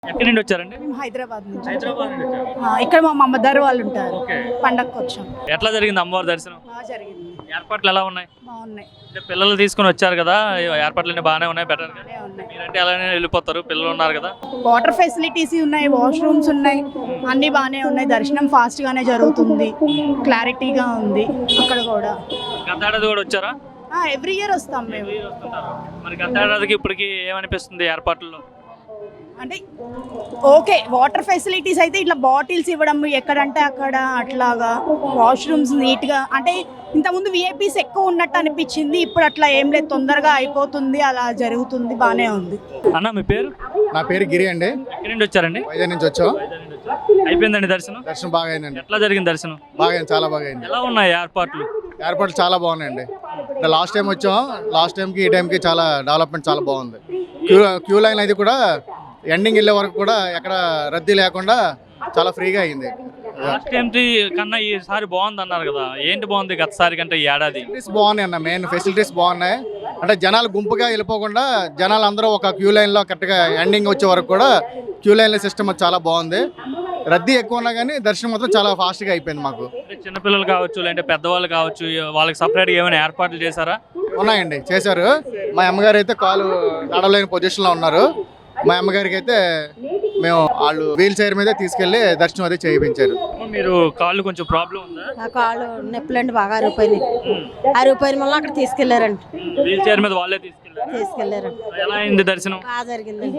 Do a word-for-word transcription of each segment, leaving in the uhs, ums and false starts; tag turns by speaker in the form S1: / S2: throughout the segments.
S1: ఎక్కడి నుండి వచ్చారండి?
S2: మేము హైదరాబాద్ నుంచి.
S1: హైదరాబాద్ నుండి వచ్చారు.
S2: ఆ, ఇక్కడ మా మమ్మదారు వాళ్ళు ఉంటారు.
S1: ఓకే.
S2: పండగకి వచ్చాం.
S1: ఎట్లా జరిగింది అమ్మవారి దర్శనం?
S2: బాగా జరిగింది.
S1: ఏర్పాట్లు ఎలా ఉన్నాయి?
S2: బాగున్నాయి.
S1: అంటే పిల్లలు తీసుకొని వచ్చారు కదా, ఏర్పాట్లు అన్ని బాగానే ఉన్నాయి, బెటర్.
S2: బాగానే ఉన్నాయి.
S1: మీరంటే అలానే వెళ్ళిపోతారు, పిల్లలు ఉన్నారు కదా.
S2: వాటర్ ఫెసిలిటీస్ ఉన్నాయి, వాష్రూమ్స్ ఉన్నాయి, అన్ని బాగానే ఉన్నాయి. దర్శనం ఫాస్ట్ గానే జరుగుతుంది, క్లారిటీగా ఉంది అక్కడ కూడా.
S1: గత ఏడాది కూడా వచ్చారా?
S2: ఎవ్రీ ఇయర్ వస్తాం మేము.
S1: మరి గత ఏడాదికి ఇప్పటికి ఏమనిపిస్తుంది ఏర్పాట్లలో?
S2: అంటే ఓకే, వాటర్ ఫెసిలిటీస్ అయితే ఇట్లా బాటిల్స్ ఇవ్వడం ఎక్కడంటే అక్కడ అట్లాగా, వాష్రూమ్స్ నీట్గా, అంటే ఇంతకుముందు విఐపీస్ ఎక్కువ ఉన్నట్టు అనిపించింది, ఇప్పుడు అట్లా ఏం లేదు, తొందరగా అయిపోతుంది, అలా జరుగుతుంది, బాగానే ఉంది.
S1: అన్న మీ పేరు?
S3: నా పేరు గిరి అండి.
S1: ఎక్కడి నుండి వచ్చారండి?
S3: వైజాగ్ నుంచి వచ్చాం.
S1: అయిపోయిందండి దర్శనం?
S3: దర్శనం బాగా అయిందండి.
S1: ఎట్లా జరిగింది దర్శనం?
S3: బాగా అయింది, చాలా బాగా అయింది.
S1: ఎలా ఉన్నాయి ఏర్పాట్లు?
S3: ఏర్పాట్లు చాలా బాగున్నాయండి. లాస్ట్ టైం వచ్చాం, లాస్ట్ టైంకి ఈ టైంకి చాలా డెవలప్మెంట్ చాలా బాగుంది. క్యూ క్యూ లైన్ అయితే కూడా ఎండింగ్ వెళ్ళే వరకు కూడా ఎక్కడ రద్దీ లేకుండా చాలా ఫ్రీగా అయింది.
S1: లాస్ట్ టైం కన్నా ఈసారి బాగుంది అన్నారు కదా, ఏంటి బాగుంది గతసారి కంటే ఈ ఏడాది?
S3: ఫెసిలిటీస్ బాగున్నాయి అన్న, మెయిన్ ఫెసిలిటీస్ బాగున్నాయి. అంటే జనాలు గుంపుగా వెళ్ళిపోకుండా జనాలు అందరూ ఒక క్యూ లైన్లో కరెక్ట్గా ఎండింగ్ వచ్చే వరకు కూడా క్యూ లైన్ల సిస్టమ్ చాలా బాగుంది. రద్దీ ఎక్కువ ఉన్నా కానీ దర్శనం మాత్రం చాలా ఫాస్ట్గా అయిపోయింది మాకు.
S1: చిన్నపిల్లలు కావచ్చు, లేదంటే పెద్దవాళ్ళు కావచ్చు, వాళ్ళకి సపరేట్గా ఏమైనా ఏర్పాట్లు చేశారా?
S3: ఉన్నాయండి, చేశారు. మా అమ్మగారు అయితే కాలు నడవలేని పొజిషన్లో ఉన్నారు. మా అమ్మగారికి అయితే మేము వాళ్ళు వీల్ చైర్ మీద తీసుకెళ్లి దర్శనం అయితే చేయించారు.
S1: మీరు కాళ్ళు కొంచెం ప్రాబ్లం ఉందా?
S4: ఆ కాళ్ళు నొప్పులండి, బాగా అరిగిపోయినాయి. అరిగిపోయిన వల్ల అక్కడ తీసుకెళ్లారండి.
S1: వీల్ చైర్ మీద వాళ్ళే తీసుకెళ్లారు?
S4: తీసుకెళ్లారండి.
S1: ఎలా అయింది దర్శనం?
S4: బాగా జరిగిందండి.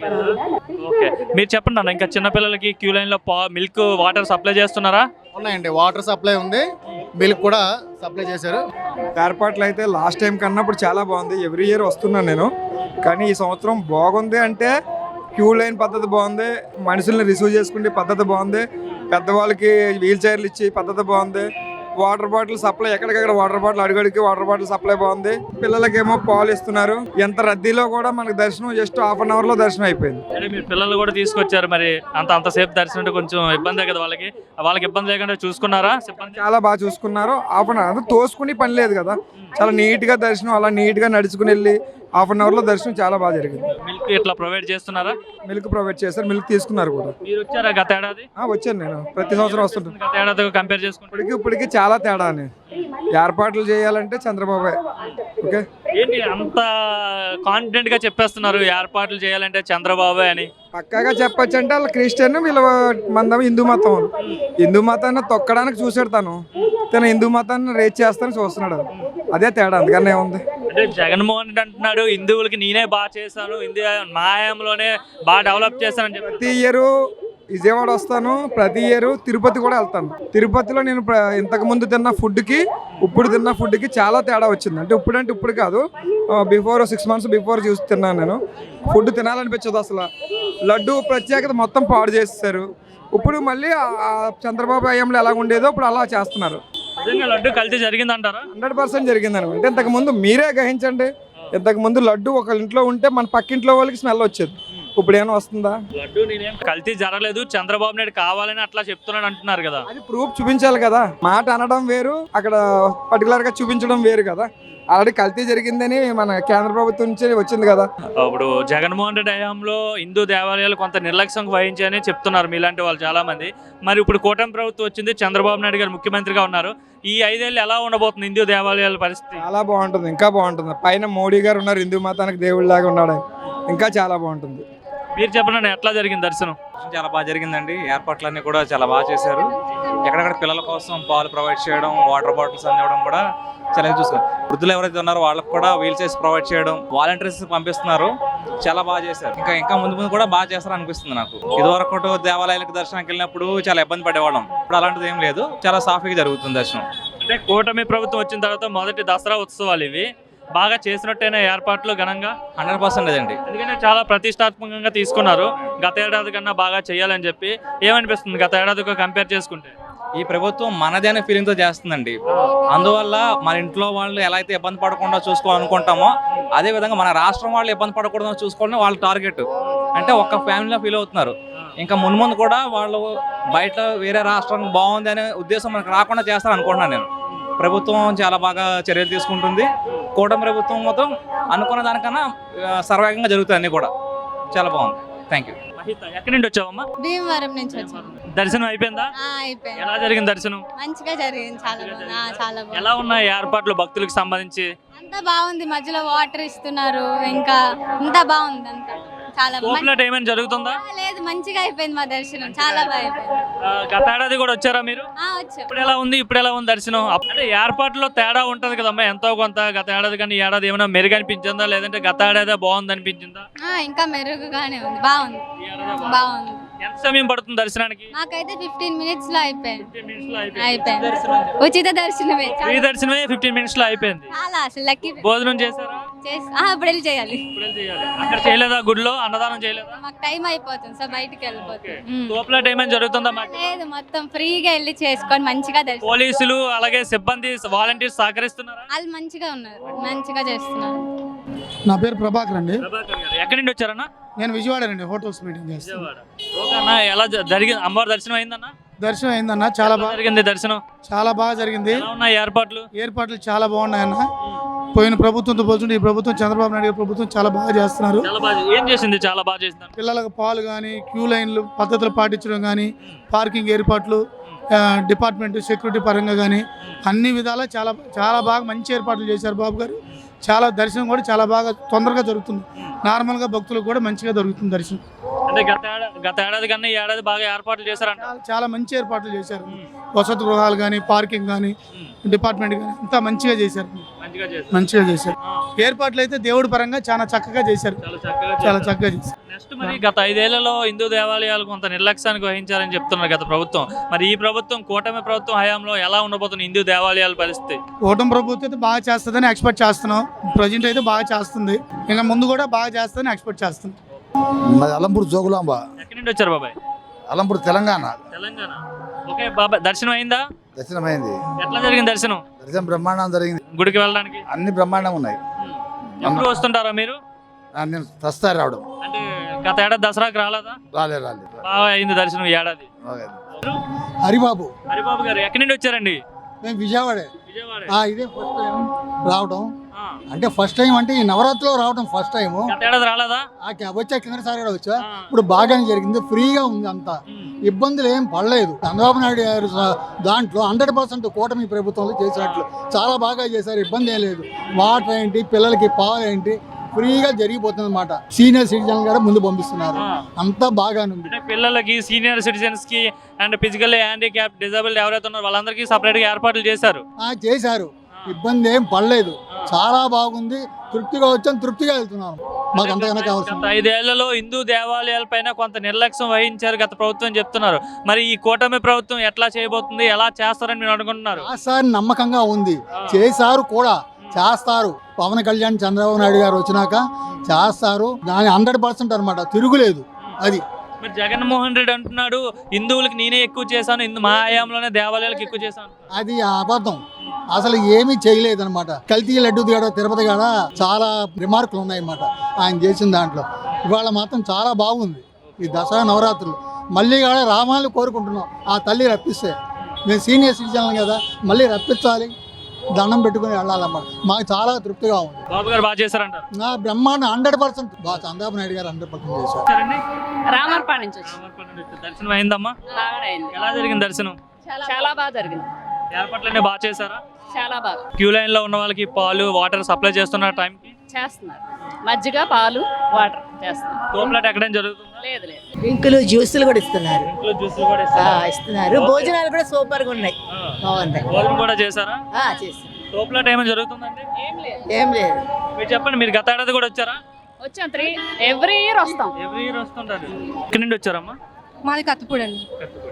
S1: ఓకే, మీరు చెప్పండి అన్న, ఇంకా చిన్నపిల్లలకి క్యూ లైన్ లో మిల్క్ వాటర్ సప్లై చేస్తున్నారా?
S3: ఉన్నాయండి, వాటర్ సప్లై ఉంది, మిల్క్ కూడా సప్లై చేశారు.
S5: ఏర్పాట్లు అయితే లాస్ట్ టైం కన్నా ఇప్పుడు చాలా బాగుంది. ఎవ్రీ ఇయర్ వస్తున్నాను నేను, కానీ ఈ సంవత్సరం బాగుంది. అంటే క్యూ లైన్ పద్ధతి బాగుంది, మనుషుల్ని రిసీవ్ చేసుకునే పద్ధతి బాగుంది, పెద్దవాళ్ళకి వీల్ చైర్లు ఇచ్చి పద్ధతి బాగుంది, వాటర్ బాటిల్ సప్లై ఎక్కడికక్కడ వాటర్ బాటిల్ అడుగడికి వాటర్ బాటిల్ సప్లై బాగుంది, పిల్లలకేమో పాలు ఇస్తున్నారు. ఎంత రద్దీలో కూడా మనకి దర్శనం జస్ట్ హాఫ్ అన్ అవర్ లో దర్శనం అయిపోయింది.
S1: అంటే మీరు పిల్లలు కూడా తీసుకొచ్చారు, మరి అంత అంతసేపు దర్శనం అంటే కొంచెం ఇబ్బందే కదా వాళ్ళకి, వాళ్ళకి ఇబ్బంది లేకుండా చూసుకున్నారా?
S5: చాలా బాగా చూసుకున్నారు. హాఫ్ అన్ అవర్ తోసుకుని పని లేదు కదా, చాలా నీట్ గా దర్శనం, అలా నీట్ గా నడుచుకుని వెళ్ళి హాఫ్ అన్ అవర్ లో దర్శనం చాలా బాగా జరిగింది.
S1: మిల్క్ ఇట్లా ప్రొవైడ్ చేస్తున్నారా?
S5: మిల్క్ ప్రొవైడ్ చేశారు, మిల్క్ తీసుకున్నారు కూడా.
S1: మీరు వచ్చారా గత ఏడాది?
S5: వచ్చాను నేను, ప్రతి సంవత్సరం వస్తుంటాను.
S1: గత ఏడాది కంపేర్ చేసుకుంటే
S5: ఇప్పటికి ఇప్పటికి చాలా తేడా అని. ఏర్పాట్లు చేయాలంటే చంద్రబాబు. ఓకే,
S1: ఏంటి అంత కాన్ఫిడెంట్ గా చెప్పేస్తున్నారు ఏర్పాట్లు చేయాలంటే చంద్రబాబు అని?
S5: పక్కాగా చెప్పొచ్చు. అంటే వాళ్ళు క్రిస్టియన్, వీళ్ళ మందం హిందూ మతం. హిందూ మతాన్ని తొక్కడానికి చూసాడు తను, తను హిందూ మతాన్ని రేట్ చేస్తానని చూస్తున్నాడు. అదే తేడా, అందుకనే ఉంది.
S1: అంటే జగన్మోహన్ రెడ్డి అంటున్నాడు హిందువులకి నేనే బాగా చేశాను, హిందూ మాయంలోనే బాగా డెవలప్ చేశానని చెప్పి.
S5: ప్రతి ఇయర్ విజయవాడ వస్తాను, ప్రతి ఇయర్ తిరుపతి కూడా వెళ్తాను. తిరుపతిలో నేను ఇంతకు ముందు తిన్న ఫుడ్కి ఇప్పుడు తిన్న ఫుడ్కి చాలా తేడా వచ్చింది. అంటే ఇప్పుడు అంటే ఇప్పుడు కాదు, బిఫోర్ సిక్స్ మంత్స్ బిఫోర్ చూసి తిన్నాను నేను. ఫుడ్ తినాలనిపించదు అసలు. లడ్డు ప్రత్యేకత మొత్తం పాడు చేస్తారు. ఇప్పుడు మళ్ళీ చంద్రబాబు హయాంలో ఎలా ఉండేదో ఇప్పుడు అలా చేస్తున్నారు.
S1: లడ్డు కల్తీ జరిగిందంటారా?
S5: హండ్రెడ్ పర్సెంట్ జరిగిందని. అంటే ఇంతకు ముందు మీరే గ్రహించండి, ఇంతకు ముందు లడ్డు ఒక ఇంట్లో ఉంటే మన పక్కింట్లో వాళ్ళకి స్మెల్ వచ్చేది, ఇప్పుడు ఏమైనా వస్తుందా?
S1: లడ్డు నేనేం కల్తీ జరగలేదు, చంద్రబాబు నాయుడు కావాలని అట్లా చెప్తున్నాడు అంటున్నారు కదా.
S5: అది ప్రూఫ్ చూపించాలి కదా. మాట అనడం వేరు, అక్కడ పర్టికులర్ గా చూపించడం వేరు కదా. ఆల్రెడీ కల్తీ జరిగిందని మన కేంద్ర ప్రభుత్వం నుంచి వచ్చింది కదా.
S1: ఇప్పుడు జగన్మోహన్ రెడ్డి హయాంలో హిందూ దేవాలయాలు కొంత నిర్లక్ష్యం వహించాయని చెప్తున్నారు మీలాంటి వాళ్ళు చాలా మంది. మరి ఇప్పుడు కూటమి ప్రభుత్వం వచ్చింది, చంద్రబాబు నాయుడు గారు ముఖ్యమంత్రిగా ఉన్నారు. ఈ ఐదేళ్ళు ఎలా ఉండబోతుంది హిందూ దేవాలయాల పరిస్థితి?
S5: చాలా బాగుంటుంది, ఇంకా బాగుంటుంది. పైన మోడీ గారు ఉన్నారు, హిందూ మతానికి దేవుడిలాగా ఉన్నాడు, ఇంకా చాలా బాగుంటుంది.
S1: మీరు చెప్పండి, ఎట్లా జరిగింది దర్శనం?
S6: చాలా బాగా జరిగిందండి. ఏర్పాట్లన్నీ కూడా చాలా బాగా చేశారు. ఎక్కడెక్కడ పిల్లల కోసం పాలు ప్రొవైడ్ చేయడం, వాటర్ బాటిల్స్ అందివ్వడం కూడా చాలా చూసుకున్నారు. వృద్ధులు ఎవరైతే ఉన్నారో వాళ్ళకి కూడా వీల్ చైర్స్ ప్రొవైడ్ చేయడం, వాలంటీర్స్ పంపిస్తున్నారు, చాలా బాగా చేశారు. ఇంకా ఇంకా ముందు ముందు కూడా బాగా చేస్తారు అనిపిస్తుంది నాకు. ఇదివరకు దేవాలయాలకు దర్శనానికి వెళ్ళినప్పుడు చాలా ఇబ్బంది పడేవాళ్ళం, ఇప్పుడు అలాంటిది ఏం లేదు, చాలా సాఫీగా జరుగుతుంది దర్శనం.
S1: అంటే కూటమి ప్రభుత్వం వచ్చిన తర్వాత మొదటి దసరా ఉత్సవాలు ఇవి బాగా చేసినట్టేనా ఏర్పాట్లు ఘనంగా?
S6: హండ్రెడ్ పర్సెంట్ అండి,
S1: ఎందుకంటే చాలా ప్రతిష్టాత్మకంగా తీసుకున్నారు. గత ఏడాది కన్నా బాగా చేయాలని చెప్పి ఏమనిపిస్తుంది గత ఏడాదితో కంపేర్ చేసుకుంటే?
S6: ఈ ప్రభుత్వం మనదే అనే ఫీలింగ్తో చేస్తుందండి. అందువల్ల మన ఇంట్లో వాళ్ళు ఎలా అయితే ఇబ్బంది పడకుండా చూసుకోవాలనుకుంటామో అదే విధంగా మన రాష్ట్రం వాళ్ళు ఇబ్బంది పడకూడదు చూసుకోవడం వాళ్ళ టార్గెట్. అంటే ఒక్క ఫ్యామిలీలో ఫీల్ అవుతున్నారు. ఇంకా మున్ముందు కూడా వాళ్ళు బయట వేరే రాష్ట్రం బాగుంది అనే ఉద్దేశం మనకు రాకుండా చేస్తారు అనుకుంటున్నాను నేను. ప్రభుత్వం చాలా బాగా చర్యలు తీసుకుంటుంది. కూటమి ప్రభుత్వం మొత్తం అనుకున్న దానికన్నా సర్వేగంగా జరుగుతాయి అన్నీ కూడా. చాలా బాగుంది. Thank you.
S1: మహిత ఎక్కడి నుండి వచ్చావమ్మా?
S4: భీమవరం నుంచి వచ్చాం.
S1: దర్శనం అయిపోయిందా?
S4: అయిపోయింది.
S1: ఎలా జరిగింది దర్శనం?
S4: మంచిగా జరిగింది. చాలా బాగుంది. ఆ, చాలా బాగుంది.
S1: ఎలా ఉన్నాయి ఏర్పాట్లు భక్తులకు సంబంధించి?
S4: అంతా బాగుంది. మధ్యలో వాటర్ ఇస్తున్నారు. ఇంకా అంతా బాగుంది. అంతా చాలా బాగుంది.
S1: తోపులాట ఏమైనా జరుగుతుందా?
S4: లేదు, మంచిగా అయిపోయింది మా దర్శనం. చాలా బాగా అయిపోయింది.
S1: ఆ, గత ఏడాది కూడా వచ్చారా మీరు?
S4: ఆ, వచ్చాం.
S1: ఇప్పుడు ఎలా ఉంది ఇప్పుడు ఎలా ఉంది దర్శనం? అంటే ఏర్పాట్లో తేడా ఉంటది కదమ్మా ఎంతో కొంత. గత ఏడాది కానీ ఈ ఏడాది ఏమైనా మెరుగు అనిపించిందా, లేదంటే గత ఏడాది బాగుంది అనిపించిందా?
S4: ఆ, ఇంకా మెరుగుగానే ఉంది. బాగుంది.
S1: ఈ ఏడాది బాగుంది.
S4: బాగుంది.
S1: ఎంత సమయం పడుతుంది దర్శనానికి?
S4: మాకైతే ఫిఫ్టీన్ మినిట్స్ లో అయిపోయింది.
S1: ఫిఫ్టీన్ మినిట్స్ లో అయిపోయింది.
S4: అయిపోయింది.
S1: దర్శనం.
S4: ఉచిత దర్శనమే.
S1: ఫ్రీ దర్శనమే ఫిఫ్టీన్ మినిట్స్ లో అయిపోయింది.
S4: చాలా అసలు లక్కీ.
S1: భోజనం చేశారా?
S4: చేసి ఆ, ఇప్పుడు వెళ్ళి చేయాలి.
S1: ఇప్పుడే చేయాలి. అక్కడ చేయలేదా? గుడిలో అన్నదానం చేయలేదా?
S4: మాకు టైం అయిపోతుంది, సో బయటికి వెళ్ళిపోతుంది. ఉమ్.
S1: తోపులాట ఏమైనా జరుగుతుందా మాకు?
S4: లేదు, మొత్తం ఫ్రీగా వెళ్ళి చేసుకొని మంచిగా దర్శనం.
S1: పోలీసులు అలాగే సిబ్బంది వాలంటీర్స్ సహకరిస్తున్నారా?
S4: వాళ్ళు మంచిగా ఉన్నారు, మంచిగా చేస్తున్నారు.
S7: నా పేరు ప్రభాకర్ అండి.
S1: ప్రభాకర్ గారు ఎక్కడి నుండి వచ్చారన్నా?
S7: నేను విజయవాడ అండి, హోటల్స్ మీటింగ్ చేస్తాను.
S1: విజయవాడ. ఓకే అన్న, ఎలా జ- జరిగింది? అమ్మవారి దర్శనం అయిందన్న?
S7: దర్శనం అయిందన్న, చాలా
S1: ఎలా
S7: బాగా
S1: జరిగింది దర్శనం?
S7: చాలా బాగా జరిగింది.
S1: ఎలా ఉన్నాయి ఏర్పాట్లు?
S7: ఏర్పాట్లు చాలా బాగున్నాయన్న. పోయిన ప్రభుత్వంతో పోల్చుంటే ఈ ప్రభుత్వం, చంద్రబాబు నాయుడు గారి ప్రభుత్వం చాలా బాగా చేస్తున్నారు.
S1: చాలా బాగా ఏం చేసింది? చాలా బాగా చేసింది.
S7: పిల్లలకు పాలు కానీ, క్యూ లైన్లు పద్ధతులు పాటించడం కానీ, పార్కింగ్ ఏర్పాట్లు, ఆ, డిపార్ట్మెంట్ సెక్యూరిటీ పరంగా కానీ అన్ని విధాలా చాలా చాలా బాగా మంచి ఏర్పాట్లు చేశారు బాబు గారు. చాలా దర్శనం కూడా చాలా బాగా తొందరగా జరుగుతుంది. నార్మల్గా భక్తులకు కూడా మంచిగా దొరుకుతుంది దర్శనం.
S1: అంటే గత ఏడా- గత ఏడాది కన్నా ఈ ఏడాది బాగా ఏర్పాట్లు చేశారంట.
S7: చాలా- చాలా మంచి ఏర్పాట్లు చేశారు. వసతి గృహాలు కానీ, పార్కింగ్ కానీ, డిపార్ట్మెంట్ కానీ అంతా మంచిగా చేశారు.
S1: మంచిగా చేశారు.
S7: మంచిగా చేశారు.
S1: ఆ,
S7: ఏర్పాట్లు అయితే దేవుడి పరంగా చాలా చక్కగా చేశారు.
S1: చాలా చక్కగా
S7: చాలా
S1: చేశారు.
S7: చక్కగా చేశారు.
S1: నెక్స్ట్ మరి గత ఐదేళ్లలో హిందూ దేవాలయాలు కొంత నిర్లక్ష్యానికి వహించారని చెప్తున్నారు గత ప్రభుత్వం. మరి ఈ ప్రభుత్వం, కూటమి ప్రభుత్వం హయాంలో ఎలా ఉండబోతుంది హిందూ దేవాలయాల పరిస్థితి?
S7: ఓటమి ప్రభుత్వం అయితే బాగా చేస్తుందని ఎక్స్పెక్ట్ చేస్తున్నాం. ప్రజెంట్ అయితే బాగా చేస్తుంది. ఇంకా ముందు కూడా బాగా చేస్తుందని ఎక్స్పెక్ట్ చేస్తున్నాం.
S8: మాది అలంపూర్ జోగులాంబ.
S1: ఎక్కడి నుండి వచ్చారు బాబాయ్?
S8: అలంపూర్ తెలంగాణ.
S1: తెలంగాణ. ఓకే బాబాయ్, దర్శనం అయిందా?
S8: దర్శనమైంది.
S1: ఎట్లా జరిగింది దర్శనం?
S8: దర్శనం బ్రహ్మాండం జరిగింది.
S1: గుడికి వెళ్ళడానికి
S8: అన్ని బ్రహ్మాండంగా ఉన్నాయి.
S1: ఎప్పుడు వస్తుంటారా మీరు?
S8: ఆ, నేను ప్రస్తుతం రావడం
S1: అంటే గత ఏడాది దసరాకి రాలేదా?
S8: రాలే రాలే
S1: బాగా అయింది దర్శనం ఈ ఏడాది.
S8: ఓకే.
S7: హరిబాబు,
S1: హరిబాబు గారు ఎక్కడి నుండి వచ్చారండి?
S7: మేము విజయవాడే.
S1: విజయవాడ.
S7: ఇదే ఫస్ట్ టైం రావడం.
S1: ఆ.
S7: అంటే ఫస్ట్ టైం అంటే ఈ నవరాత్రిలో రావడం ఫస్ట్ టైం.
S1: గత ఏడాది రాలేదా?
S7: వచ్చా కిందసారి కూడా వచ్చా.
S1: ఆ.
S7: ఇప్పుడు బాగానే జరిగింది, ఫ్రీగా ఉంది అంతా.
S1: ఉమ్.
S7: ఇబ్బందులు ఏం పడలేదు. చంద్రబాబు నాయుడు గారు స- దాంట్లో హండ్రెడ్ పర్సెంట్ కూటమి ప్రభుత్వంలో చేసినట్లు చాలా బాగా చేశారు. ఇబ్బంది ఏం లేదు. వాటర్ ఏంటి, పిల్లలకి పాలు ఏంటి, ఫ్రీగా జరిగిపోతుంది అనమాట. సీనియర్ సిటిజన్ కూడా ముందు పంపిస్తున్నారు.
S1: ఆ.
S7: అంతా బాగానే ఉంది.
S1: అంటే పిల్లలకి, సీనియర్ సిటిజన్స్ కి అండ్ ఫిజికల్ హ్యాండిక్యాప్, డిజబుల్డ్ ఎవరైతే ఉన్నారో వాళ్ళందరికీ సపరేట్ గా ఏర్పాట్లు చేశారు.
S7: ఆ, చేశారు. ఇబ్బంది ఏం పడలేదు. చాలా బాగుంది. తృప్తిగా వచ్చాం, తృప్తిగా వెళ్తున్నాం. మాకు అంతకన్నా
S1: గత
S7: కావాల్సింది.
S1: ఐదేళ్లలో హిందూ దేవాలయాల పైన కొంత నిర్లక్ష్యం వహించారు గత ప్రభుత్వం చెప్తున్నారు. మరి ఈ కూటమి ప్రభుత్వం ఎట్లా చేయబోతుంది, ఎలా చేస్తారని మీరు అనుకుంటున్నారు?
S7: సార్ నమ్మకంగా ఉంది. చేశారు కూడా, చేస్తారు. పవన్ కళ్యాణ్, చంద్రబాబు నాయుడు గారు వచ్చినాక చేస్తారు. దాని హండ్రెడ్ పర్సెంట్ అనమాట, తిరుగులేదు. అది
S1: మరి జగన్మోహన్ రెడ్డి అంటున్నాడు హిందువులకి నేనే ఎక్కువ చేశాను, హిందూ మా హయాంలోనే దేవాలయాలకు ఎక్కువ చేశాను.
S7: అది అబద్ధం. అసలు ఏమీ చేయలేదు అనమాట. కల్తీ లడ్డు కాడ, తిరుపతి కాడ చాలా రిమార్కులు ఉన్నాయన్నమాట ఆయన చేసిన దాంట్లో. ఇవాళ మాత్రం చాలా బాగుంది ఈ దసరా నవరాత్రులు. మళ్ళీ కాడ రామాలు కోరుకుంటున్నాం. ఆ తల్లి రప్పిస్తే, మేము సీనియర్ సిటిజన్ కదా, మళ్ళీ రప్పించాలి, దండం పెట్టుకుని వెళ్ళాలన్నమాట. మాకు చాలా తృప్తిగా ఉంది.
S1: బాబు గారు బాగా చేశారంటారు.
S7: నా బ్రహ్మాండ హండ్రెడ్ పర్సెంట్ బాగా చంద్రబాబు నాయుడు గారు హండ్రెడ్ పర్సెంట్ చేశారు.
S1: సరేండి.
S9: రామర్పాడు నుంచి వచ్చి
S1: రామర్పల్లి నుంచి వచ్చారు. దర్శనం అయిందమ్మా?
S9: బాగానే అయింది.
S1: ఎలా జరిగింది దర్శనం?
S9: చాలా బాగా జరిగింది.
S1: ఏర్పాట్లన్నీ బాగా చేశారా?
S9: చాలా బాగా
S1: క్యూ లైన్ లో ఉన్న వాళ్ళకి పాలు, వాటర్ సప్లై చేస్తున్న టైంకి
S9: చేస్తున్నారు. మజ్జిగ, పాలు, వాటర్ చేస్తున్నారు.
S1: తోపులాట ఎక్కడైనా జరుగుతుందా?
S9: లేదు లేదు.
S10: డ్రింకులు, జ్యూసులు కూడా ఇస్తున్నారు.
S1: ఇంట్లో జ్యూసులు కూడా
S10: ఆ,
S1: ఇస్తారా?
S10: ఇస్తున్నారు. భోజనాలు కూడా సూపర్ గా ఉన్నాయి.
S1: ఆ.
S10: బాగున్నాయి.
S1: భోజనం కూడా చేశారా?
S10: ఆ, చేస్తాం.
S1: తోపులాట ఏమైనా జరుగుతుందండి?
S9: ఏం లేదు.
S10: ఏం లేదు.
S1: మీరు చెప్పండి, మీరు గత ఏడాది కూడా వచ్చారా?
S9: వచ్చాం. త్రీ ఎవ్రీ ఇయర్ వస్తాం.
S1: ఎవ్రీ ఇయర్ వస్తుంటారు. ఎక్కడి నుండి వచ్చారమ్మా?
S11: మాది కత్తిపూడి అండి.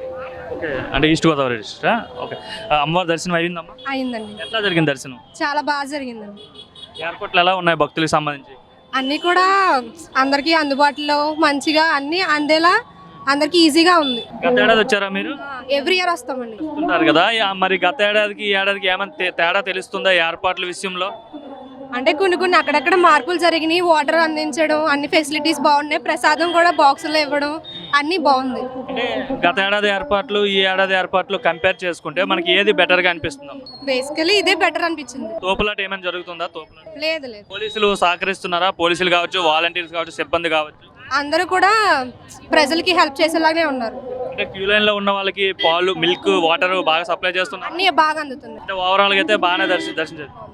S1: ఓకే, అంటే ఈస్ట్ గోదావరి డిస్ట్రిక్టా? ఓకే. ఆ, అమ్మవారి దర్శనం అయిందమ్మా?
S11: అయిందండి.
S1: ఎట్లా జరిగింది దర్శనం?
S11: చాలా బాగా జరిగిందండి.
S1: ఏర్పాట్లు ఎలా ఉన్నాయి భక్తులకు సంబంధించి?
S11: అన్నీ కూడా అందరికీ అందుబాటులో మంచిగా అన్నీ అందేలా అందరికీ ఈజీగా ఉంది.
S1: గత ఏడాది వచ్చారా మీరు?
S11: ఎవ్రీ ఇయర్ వస్తామండి.
S1: వస్తుంటారు కదా, యా- మరి గత ఏడాదికి ఈ ఏడాదికి ఏమైనా తే- తేడా తెలుస్తుందా ఈ ఏర్పాట్ల విషయంలో?
S11: అంటే కొన్ని కొన్ని అక్కడక్కడ మార్పులు జరిగినాయి. వాటర్ అందించడం, అన్ని ఫెసిలిటీస్ బాగున్నాయి. ప్రసాదం కూడా బాక్సులో ఇవ్వడం అన్నీ బాగుంది.
S1: అంటే గత ఏడాది ఏర్పాట్లు ఈ ఏడాది ఏర్పాట్లు కంపేర్ చేసుకుంటే మనకి ఏది బెటర్ గా అనిపిస్తుంది?
S11: బేసికలీ ఇదే బెటర్ అనిపించింది.
S1: తోపులాట ఏమైనా జరుగుతుందా? తోపులాట
S11: లేదు లేదు.
S1: పోలీసులు సహకరిస్తున్నారా? పోలీసులు కావచ్చు, వాలంటీర్స్ కావచ్చు, సిబ్బంది కావచ్చు.
S11: అందరూ కూడా ప్రజలకి హెల్ప్ చేసేలాగానే ఉన్నారు.
S1: అంటే క్యూ లైన్ లో ఉన్న వాళ్ళకి పాలు, మిల్క్, వాటర్ బాగా సప్లై చేస్తున్నారు.
S11: అన్నీ బాగా అందుతుంది.
S1: అంటే ఓవరాల్ గా అయితే బాగానే దర్శి దర్శించారు.